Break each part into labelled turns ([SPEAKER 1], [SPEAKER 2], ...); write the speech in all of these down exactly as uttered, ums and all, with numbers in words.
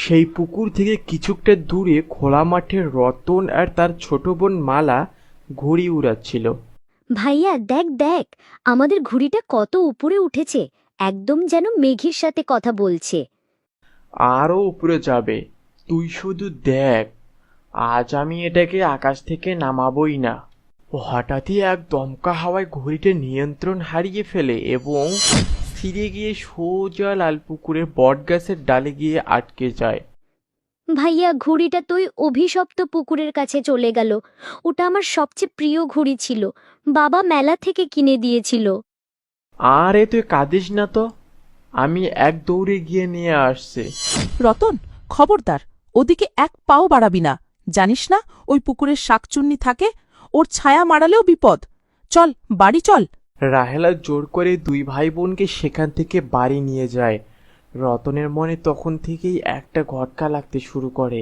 [SPEAKER 1] সেই পুকুর থেকে কিছুটা দূরে খোলা মাঠে রতন আর তার ছোট বোন মালা ঘুড়ি উড়াচ্ছিল।
[SPEAKER 2] ভাইয়া দেখ দেখ, আমাদের ঘুড়িটা কত উপরে উঠেছে, একদম যেন মেঘের সাথে কথা বলছে।
[SPEAKER 1] আরও উপরে যাবে, তুই শুধু দেখ, আজ আমি এটাকে আকাশ থেকে নামাবই না। হঠাৎই এক দমকা হাওয়ায় ঘুড়িটা নিয়ন্ত্রণ হারিয়ে ফেলে এবং ছিঁড়ে গিয়ে সোজা লালপুকুরের বটগাছের ডালে গিয়ে আটকে যায়।
[SPEAKER 2] ভাইয়া ঘুড়িটা তুই অভিশপ্ত পুকুরের কাছে চলে গেল। ওটা আমার সবচেয়ে প্রিয় ঘুড়ি ছিল, বাবা মেলা থেকে কিনে দিয়েছিল।
[SPEAKER 1] আরে তুই কাঁদিস না তো, আমি এক দৌড়ে গিয়ে নিয়ে আসছে।
[SPEAKER 3] রতন, খবরদার, ওদিকে এক পাও বাড়াবি না। জানিস না ওই পুকুরের শাকচুন্নি থাকে, ওর ছায়া মারালেও বিপদ। চল বাড়ি চল।
[SPEAKER 1] রাহেলা জোর করে দুই ভাই বোনকে সেখান থেকে বাড়ি নিয়ে যায়। রতনের মনে তখন থেকেই একটা ঘটকা লাগতে শুরু করে।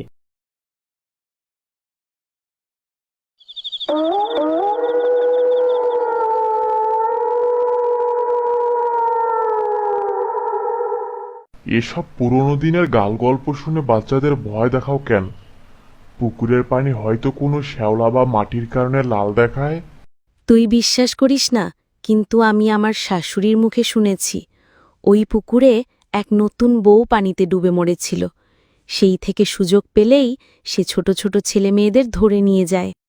[SPEAKER 4] এসব পুরনো দিনের গালগল্প শুনে বাচ্চাদের ভয় দেখাও কেন? পুকুরের পানি হয়তো কোনো শ্যাওলা বা মাটির কারণে লাল দেখায়।
[SPEAKER 5] তুই বিশ্বাস করিস না, কিন্তু আমি আমার শাশুড়ির মুখে শুনেছি ওই পুকুরে এক নতুন বউ পানিতে ডুবে মরেছিল। সেই থেকে সুযোগ পেলেই সে ছোট ছোট ছেলে মেয়েদের ধরে নিয়ে যায়।